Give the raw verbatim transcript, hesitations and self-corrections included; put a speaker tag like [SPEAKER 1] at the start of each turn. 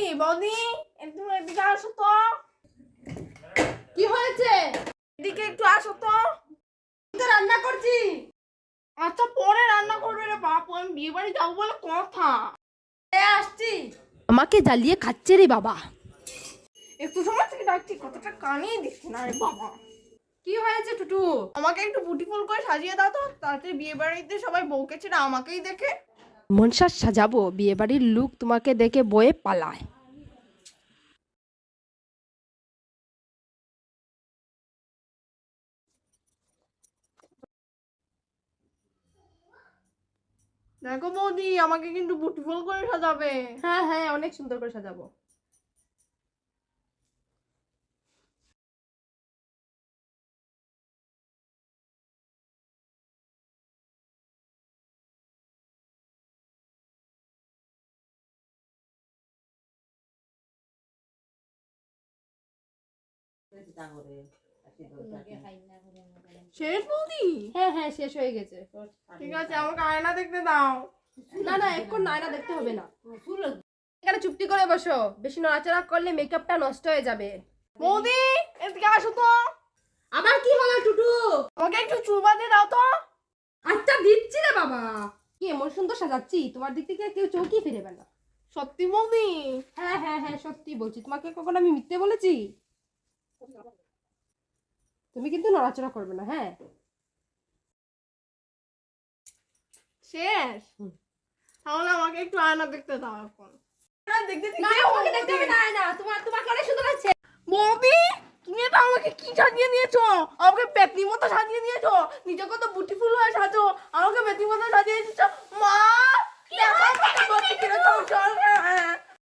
[SPEAKER 1] বৌদি একটু এদিকে আসো তো।
[SPEAKER 2] কি হয়েছে?
[SPEAKER 1] এদিকে একটু আসো তো।
[SPEAKER 2] তো রান্না করছি।
[SPEAKER 1] আচ্ছা পরে রান্না করবে রে বাপু, আমি বিয়ে বাড়ি যাবো বলে কথা।
[SPEAKER 2] এ আসছি। আমাকে জ্বালিয়ে খাচ্ছে রে বাবা।
[SPEAKER 1] একটু সময় থেকে ডাকছি, কতটা কানেই দিচ্ছে না রে বাবা।
[SPEAKER 2] কি হয়েছে টুটু?
[SPEAKER 1] আমাকে একটু বুটিফুল করে সাজিয়ে দাও তো, তাতে বিয়ে বাড়িতে সবাই বউকে ছেড়ে আমাকেই দেখে।
[SPEAKER 2] মনসার সাজাবো, বিয়ে বাড়ির লুক তোমাকে দেখে বয়ে পালায়।
[SPEAKER 1] দেখো বৌদি, আমাকে কিন্তু বুটিফুল করে সাজাবে।
[SPEAKER 2] হ্যাঁ হ্যাঁ, অনেক সুন্দর করে সাজাবো।
[SPEAKER 1] শেষ বৌদি?
[SPEAKER 2] হ্যাঁ হ্যাঁ, শেষ হয়ে গেছে।
[SPEAKER 1] ঠিক আছে, আমাকে আয়না দেখতে দাও।
[SPEAKER 2] না না, এখন নায়না দেখতে হবে না। এখানে চুপটি করে বসো, বেশি নড়াচড়া করলে মেকআপটা নষ্ট হয়ে যাবে।
[SPEAKER 1] বৌদি এদিকে আসো তো।
[SPEAKER 2] আবার কি হলো টুটু?
[SPEAKER 1] আমাকে একটু চুল বাঁধিয়ে দাও তো।
[SPEAKER 2] আচ্ছা দিচ্ছি রে বাবা। কি এমন সুন্দর সাজাচ্ছি, তোমার দিক থেকে কেউ চৌকি ফিরেবে না।
[SPEAKER 1] সত্যি বৌদি?
[SPEAKER 2] হ্যাঁ হ্যাঁ হ্যাঁ, সত্যি বলছি। তোমাকে কখনো আমি মিথ্যে বলেছি? তুমি কিন্তু নড়াচড়া করবে না, হ্যাঁ?
[SPEAKER 1] শেষ? তাহলে আমাকে একটু আয়না দেখতে দাও এখন। আয়না দেখতে দিতে
[SPEAKER 2] না, তোমাকে দেখতে হবে না, না। তোমার তোমাকে অনেক সুন্দর লাগছে।
[SPEAKER 1] বৌদি তুমি এটা আমাকে কি সাজিয়ে নিয়েছো? আমাকে পেতনি মতো সাজিয়ে নিয়েছো। নিজে কত বুটিফুল হয়ে সাজো, আমাকে পেতনি মতো সাজিয়ে দিয়েছো। মা দেখো আমাকে বলছি কিরকম চল।